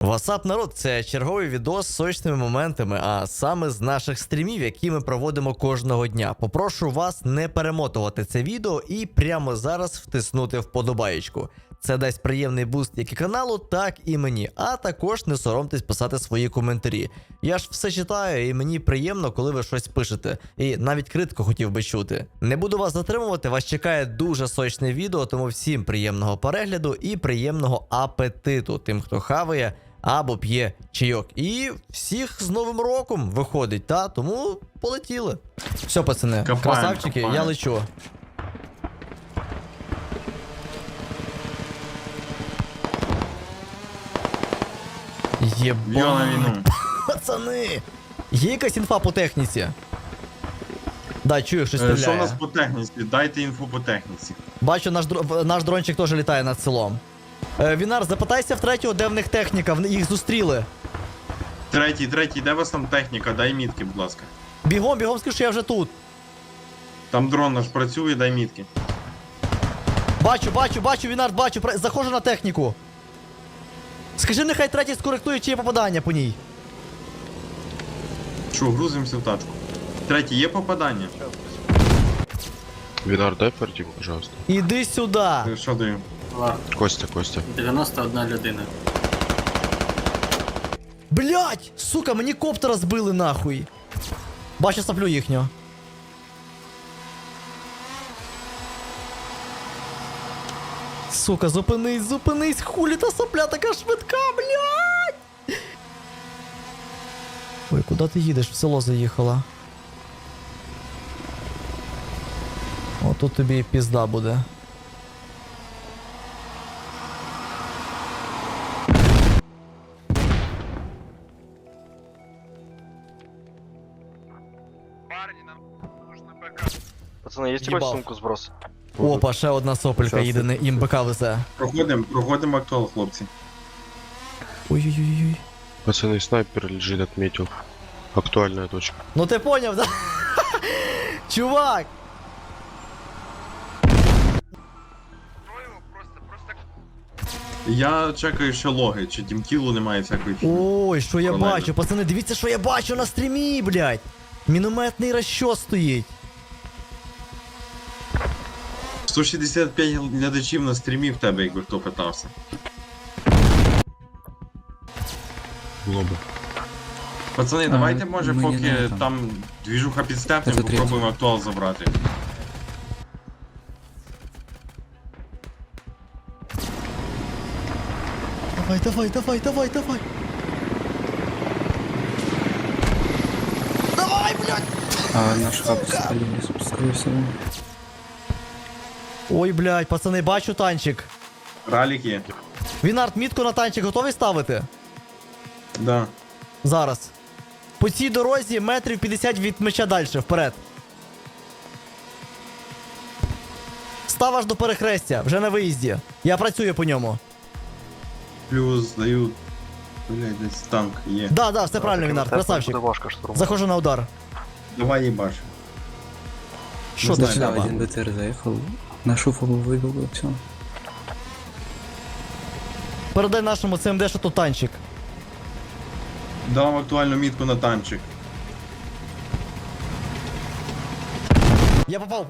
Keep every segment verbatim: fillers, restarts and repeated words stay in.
Васап, народ, це черговий відос з сочними моментами, а саме з наших стрімів, які ми проводимо кожного дня. Попрошу вас не перемотувати це відео і прямо зараз втиснути вподобаєчку. Це дасть приємний буст як і каналу, так і мені. А також не соромтесь писати свої коментарі. Я ж все читаю, і мені приємно, коли ви щось пишете. І навіть критику хотів би чути. Не буду вас затримувати, вас чекає дуже сочне відео, тому всім приємного перегляду і приємного апетиту тим, хто хаває або п'є чайок. І всіх з Новим роком виходить, та? Тому полетіли. Все, пацани, Копаємо, красавчики, копаємо. я лечу. Йо на Єба, війну. пацани! Є якась інфа по техніці? Да, чую, щось Е, Що у стріляє. нас по техніці? Дайте інфу по техніці. Бачу, наш, дро- наш дрончик теж літає над селом. Е, Вінар, запитайся в третього, де в них техніка, в- їх зустріли. Третій, третій, де у вас там техніка? Дай мітки, будь ласка. Бігом, бігом, скажи, що я вже тут. Там дрон наш працює, дай мітки. Бачу, бачу, бачу, Вінар, бачу, пра- заходжу на техніку. Скажи, нехай третій скоректує, чи є попадання по ній. Що, грузимося в тачку. Третій, є попадання? Винар, дай портику, пожалуйста. Іди сюди. Е, Що даю? Костя, Костя. дев'яносто одна людина. Блять! Сука, мені коптера збили нахуй. Бачу саплю їхнього. Сука, зупинись, зупинись, хулі та сапля така швидка, блять! Ой, куди ти їдеш? В село заїхала. О, тут тобі і пізда буде. Пацаны, есть Ебал. какой сумку сброс? Опа, ще одна сопелька їде, не їм БК везе. Проходимо, проходимо актуал, хлопці. Ой-ой-ой. Пацаны, снайпер лежит, отметил. Актуальная точка. Ну ти поняв, да? Чувак! Я чекаю ще логи, чи дімтілу немає всякої фігні. Ой, що я Нормально. бачу, пацани, дивіться, що я бачу на стрімі, блядь! Мінометний розчос стоїть. сто шістдесят п'ять глядачів на стрімі в тебе, якби хто питався. Лоба. Пацани, давайте, може, мені поки не там. там двіжуха підстепнем, Це третій. попробуємо актуал забрати. Давай, давай, давай, давай, давай. Давай, блядь! А наш хаб спалили, скорее всего. Ой, блядь, пацани, бачу танчик. Раліки? Вінард, мітку на танчик готовий ставити? Да. Зараз. По цій дорозі метрів п'ятдесят від меча далі, вперед. Став аж до перехрестя, вже на виїзді. Я працюю по ньому. Плюс даю. Блять, десь танк є. Да, да, все правильно, Вінард, красавчик. Вашка штурм. Заходжу на удар. Давай їбаш. Що знаю, ти Сюда треба? один БТР заехал, на шуфу выбил, все. Передай нашому ЦМД, що тут танчик. Дав актуальну мітку на танчик. Я попав.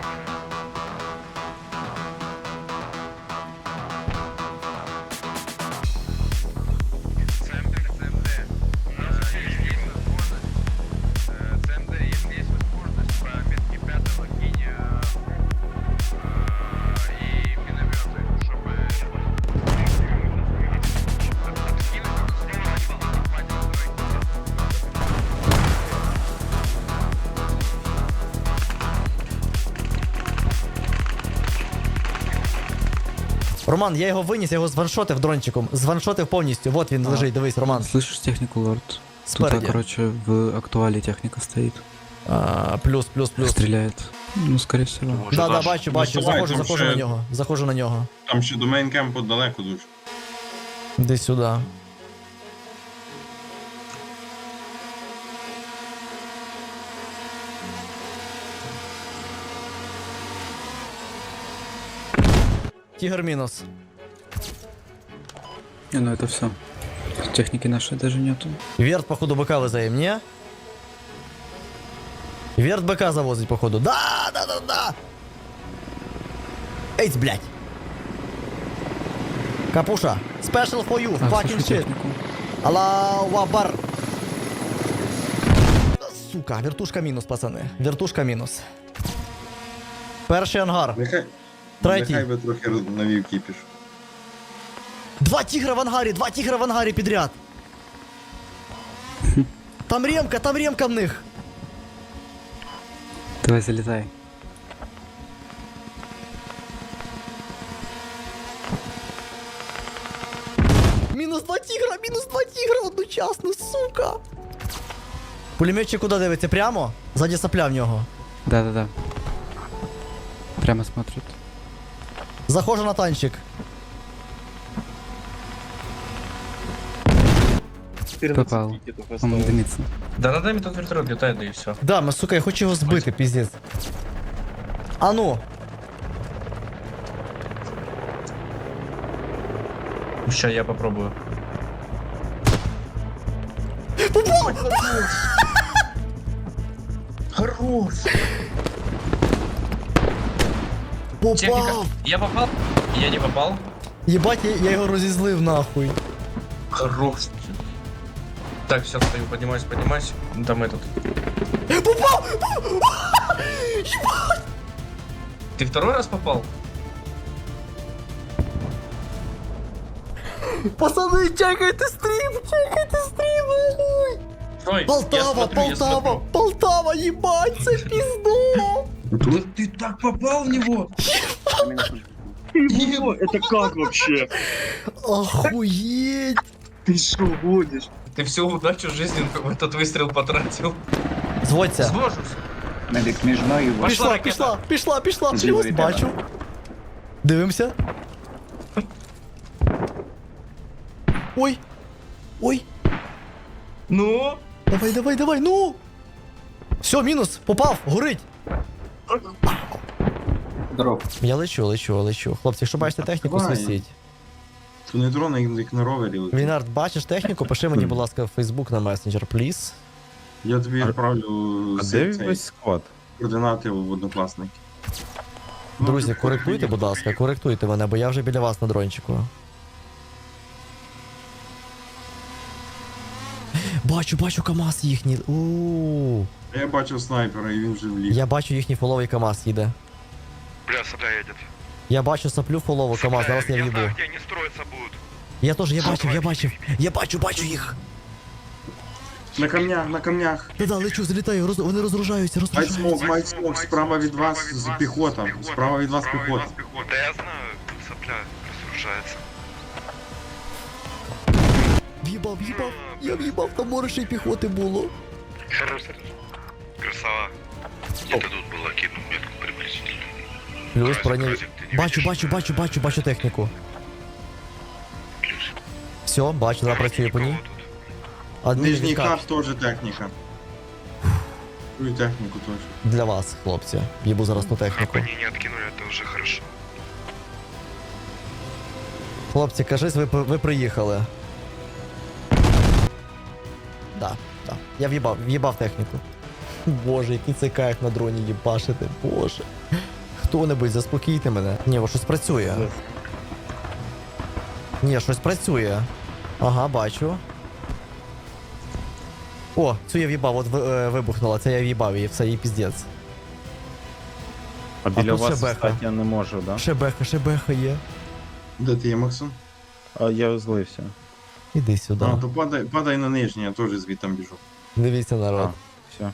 Роман, я його виніс, я його званшотив дрончиком. Званшотив повністю. Вот він А. лежить, дивись, Роман. Слышишь технику, лорд? Тут, Спереди. короче, в актуале техника стоит. А, плюс, плюс, плюс. Стреляет. Ну, скорее всего. Может, Да, да, наш? бачу, бачу. Насувай, Заходжу, там заходжу ще- на нього. Заходжу на нього. Там ще до мейнкемпу далеко дуже. Десь сюди. Тигр минус. Не, ну это все. Техники нашей даже нету. Верт, походу, БК везає, ні? Верт БК завозить, походу. Да, да, да, да. Ейц, блядь. Капуша. Special for you. А, Fucking слушай shit. технику. Аллаху Акбар. Сука, вертушка мінус, пацани. Вертушка мінус. Перший ангар. Нехай. Третій. Нехай би трохи роз- навів кіпіш. Два тігра в ангарі, два тігра в ангарі підряд. Там ремка, там ремка в них. Давай залетай. Мінус два тігра, мінус два тігра одночасно, сука. Пулеметчик куди дивиться? Прямо? Ззаді сапля в нього. Да-да-да. Прямо смотрит. Заходжу на танчик. Попал. Он дымится. Да над нами тут вертолет летает, да и все. Да, ми, сука, я хочу його збити, піздець. А ну. Сейчас я попробую. Хорош! Техника. Попав! Я попал? Я не попал? Єбать, я, я його розізлив нахуй. Хорош. Так, все, стою, поднимаюсь, поднимаюсь. Ну, там этот. Попав! Ты второй раз попал? Пацани, чекайте стрім, чекайте стрім, нахуй! Стой, я Полтава, смотрю, я Полтава, смотрю. Полтава, їбать, це пізду! Да ты так попал в него! Его, это как вообще? Охуеть! Ты что гонишь? Ты всю удачу жизни в этот выстрел потратил. Зводься. Звожусь. Медик між мною. Пошла Пішла, ракета. пішла, пішла, пішла. Зліва Плюс, від тебе. бачу. Дивимося. Ой. Ой. Ну? Давай, давай, давай, ну. Все, мінус. Попав, горить. Здоров. Я лечу, лечу, лечу. Хлопці, якщо бачите техніку, Давай. свистіть. То не дрон, як як на ровері. летить. Вінард, бачиш техніку? Пиши мені, будь ласка, в Facebook на месенджер, пліз. Я тобі відправлю А цей- де цей, весь склад? координати в однокласники. Друзі, Ну, коректуйте, будь ласка, коректуйте мене, бо я вже біля вас на дрончику. Бачу, бачу КамАЗ їхній. У. Я бачив снайпера, і він вже вліг. Я бачу їхній фоловий КамАЗ їде. Бля, сопля едет. Я бачу саплю фолову КамАЗ, зараз я я в'їбу. знаю, где они строиться будут. Я теж, я бачив, я бачив. Я бачу, бачу їх. На камнях, на камнях. Да-да, лечу, залітаю, роз... вони розгружаються, Майт розгружаються. смок, майт смок, справа від вас з піхота. Справа від вас піхота. Да я знаю, сопля разоружается. В'їбав, в'їбав, я в'їбав, там море ще й піхоти було. Хорош, красава. Где-то тут было кинул метку приблизительно. Плюс Разик, проняв. разик, ты не Бачу, видишь? бачу, бачу, бачу, бачу техніку. Плюс. Все, бачу, зараз працює по ній. Никого тут. Адмін Нижній відкат. хат теж техніка. Чую техніку теж. Для вас, хлопці. Їбу зараз ту техніку. Они не откинули, это уже хорошо. Хлопці, кажись, ви, ви приїхали. Да, да. Я в'їбав, в'їбав техніку. Боже, який це кайф на дроні їбашити, боже. Хто-небудь, заспокійте мене. Ні, о, щось працює. Ні, щось працює. Ага, бачу. О, цю я в'їбав, от ви- е, вибухнула, це я в'їбав її, все, їй піздець. А біля тут ще вас беха. стати я не можу, да? Ще беха, ще беха є. Де ти є, Максон? А я злився. Іди сюди. А, то падай, падай на нижній, я теж звідтам біжу. Дивіться, народ. Все.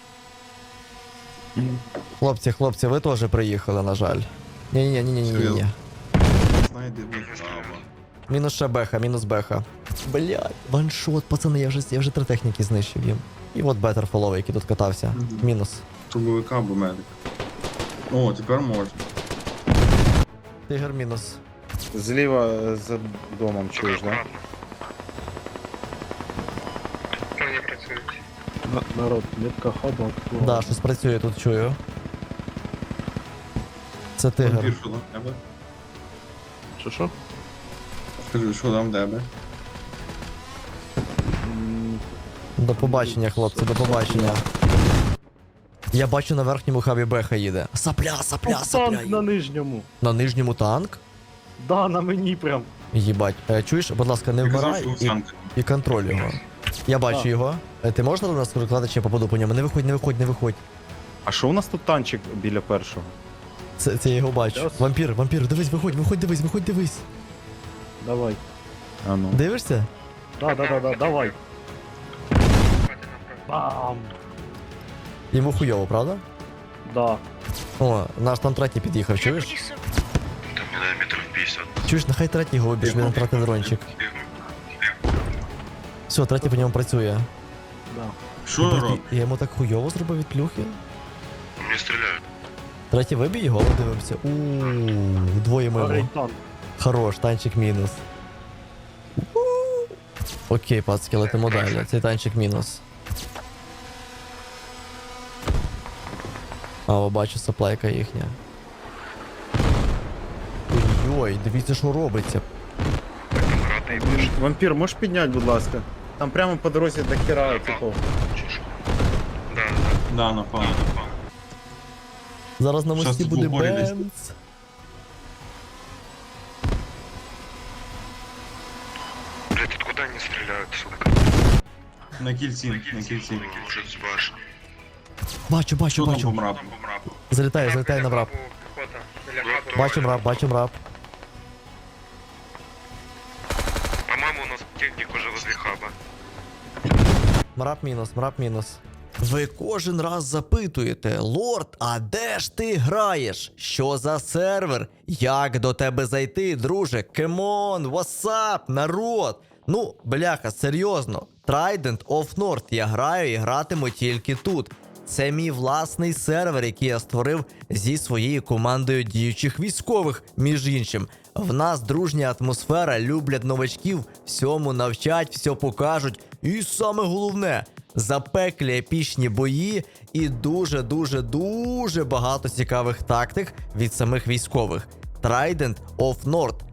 Хлопці, хлопці, ви теж приїхали, на жаль. Ні-ні-ні, ні-ні-ні. Серйозно? Знайди де справа. Мінус ще беха, мінус беха. Блядь, ваншот, пацани, я вже, я вже три техніки знищив їм. І от бетер фоловий, який тут катався. Мгм. Мінус. Трубовика або медик. О, тепер можна. Тигр мінус. Зліва е, за домом чуєш, да? Аккуратно. Они працюють. Народ, метка хаба. Да, щось працює тут, чую. Це тигр. Вампір, що там в тебе? Що що? Скажи, що там в тебе? До побачення, хлопці, до побачення. Я бачу на верхньому хабі Беха їде. Сапля, сапля, сапля. Танк на нижньому. На нижньому танк? Да, на мені прям. Їбать. Е, чуєш, будь ласка, не Я казав, вмирай що і, Санка. і контроль його. Я бачу А. його. Е, Ти можеш на нас розкладати, чи я попаду по ньому? Не виходь, не виходь, не виходь. А що у нас тут танчик біля першого? Це, це я його бачу. Щас. Вампір, вампір, дивись, виходь, виходь, дивись, виходь, дивись. Давай. А ну. Дивишся? Да, да, да, да, давай. Бам! Йому хуйово, правда? Да. О, наш там третій під'їхав, чуєш? Там не знаю, метров пятьдесят. Чуєш, нехай третій його обіж, він втратив дрончик. Все, третій по ньому працює. Да. Що Блін, робить? Я йому так хуйово зробив від плюхи. Мне стреляют. Третій вибій його, дивимося. Ууу, двоє мимо. Горить танк. Хорош, танчик мінус. Окей, пацки, летимо далі. Цей танчик мінус. А, о, бачу, саплайка їхня. Ой, дивіться, що робиться. Вампір, можеш підняти, будь ласка? Там прямо по дорозі до хера, типу. Да, Да, напав. Зараз на Щас мості тут буде в упорі десь. бенц. блядь, откуда они стреляют, сука? На кільці, на кільці. Может, с башни. Бачу, бачу, Що там бачу. по мрапу? Залітає, залітає на мрап. Бачу мрап, бачу мрап. По-моему, у нас техник уже возле хаба. Мрап мінус, мрап мінус. Ви кожен раз запитуєте, лорд, а де ж ти граєш? Що за сервер? Як до тебе зайти, друже? Кемон, васап, народ. Ну, бляха, серйозно. Trident of North я граю і гратиму тільки тут. Це мій власний сервер, який я створив зі своєю командою діючих військових, між іншим. В нас дружня атмосфера, люблять новачків, всьому навчать, все покажуть. І саме головне, запеклі епічні бої і дуже-дуже-дуже багато цікавих тактик від самих військових. Trident of North.